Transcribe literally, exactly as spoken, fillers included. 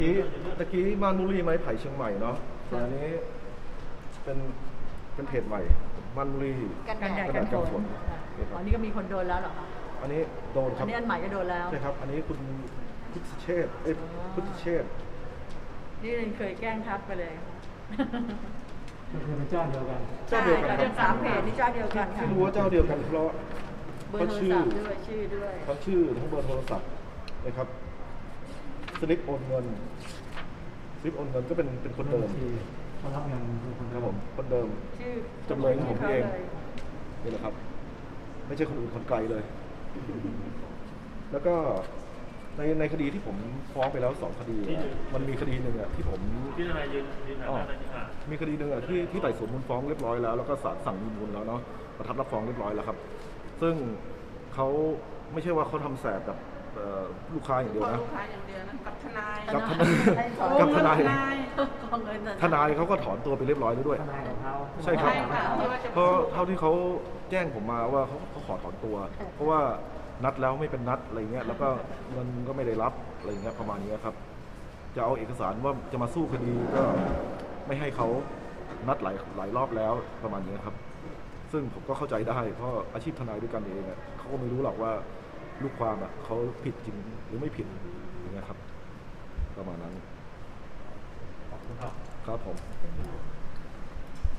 กี้ตะกี้ม่านบุรีไม้ไผ่เชียงใหม่เนาะแต่อันนี้เป็นเป็นเพจใหม่ม่านบุรีกันแดดกระกัดาน ษฝกันนฝนอ๋อนี่ก็มีคนโดนแล้วเหรอคะอันนี้โดนคอัรันบนี้อันใหม่ก็โดนแล้วใช่ครับอันนี้คุณพุทธเชษฐ์เอ้ยพุทธเชษฐ์นี่เคยแกล้งทักไปเลยก็คือเป็นเจ้าเดียวกันเจ้าเดียวกันคเรื่รัอบ งสามเพจนี่เจ้าเดียวกันค่ะที่รู้ว่าเจ้าเดียวกันเพราะเบอร์โทรศัพท์ด้วยชื่อด้วยทั้งชื่อทั้งเบอร์โทรศัพท์นะครับสลิปโอนเงินสลิปโอนเงินก็เป็นเป็นคนเดิมที่เขารับเงินคือคนครับผมคนเดิมชื่อจำเลยของผมเองขาลยนี่แหละครับ ไม่ใช่คนอื่นคนไกลเลย แล้วก็ในในคดีที่ผมฟ้องไปแล้วสองคดีอะมันมีคดีหนึ่งอ่ะที่ผมที่ทนายยืนยืนหน้าอ๋อด้านนี้ค่ะมีคดีหนึ่งอ่ะที่ที่ไต่สวนมูลฟ้องเรียบร้อยแล้วแล้วก็ศาลสั่งมีมูลแล้วเนาะประทับรับฟ้องเรียบร้อยแล้วครับ ซึ่งเขาไม่ใช่ว่าเขาทำแสบกับเอ่อลูกค้าอย่างเดียวพอนะลูกค้าอย่างเดียวนะกับทนายกับทนายกับทนายของเงินทนายเขาก็ถอนตัวไปเรียบร้อยแล้วด้วยทนายของเขาใช่ครับใช่ค่ะที่ว่าจะเพราะเท่าที่เขาแจ้งผมมาว่าเขาเขาขอถอนตัว เพราะว่านัดแล้วไม่เป็นนัดอะไรเงี้ยแล้วก็เงินก็ไม่ได้รับอะไรเงี้ยประมาณนี้ครับ จะเอาเอกสารว่าจะมาสู้คดีก็ไม่ให้เขานัดหลายหลายรอบแล้วประมาณนี้ครับ ซึ่งผมก็เข้าใจได้เพราะอาชีพทนายด้วยกันเองอะเขาก็ไม่รู้หรอกว่าลูกความอะเขาผิดจริงหรือไม่ผิดอย่างเงี้ยครับ ประมาณนั้นขอบคุณครับครับผม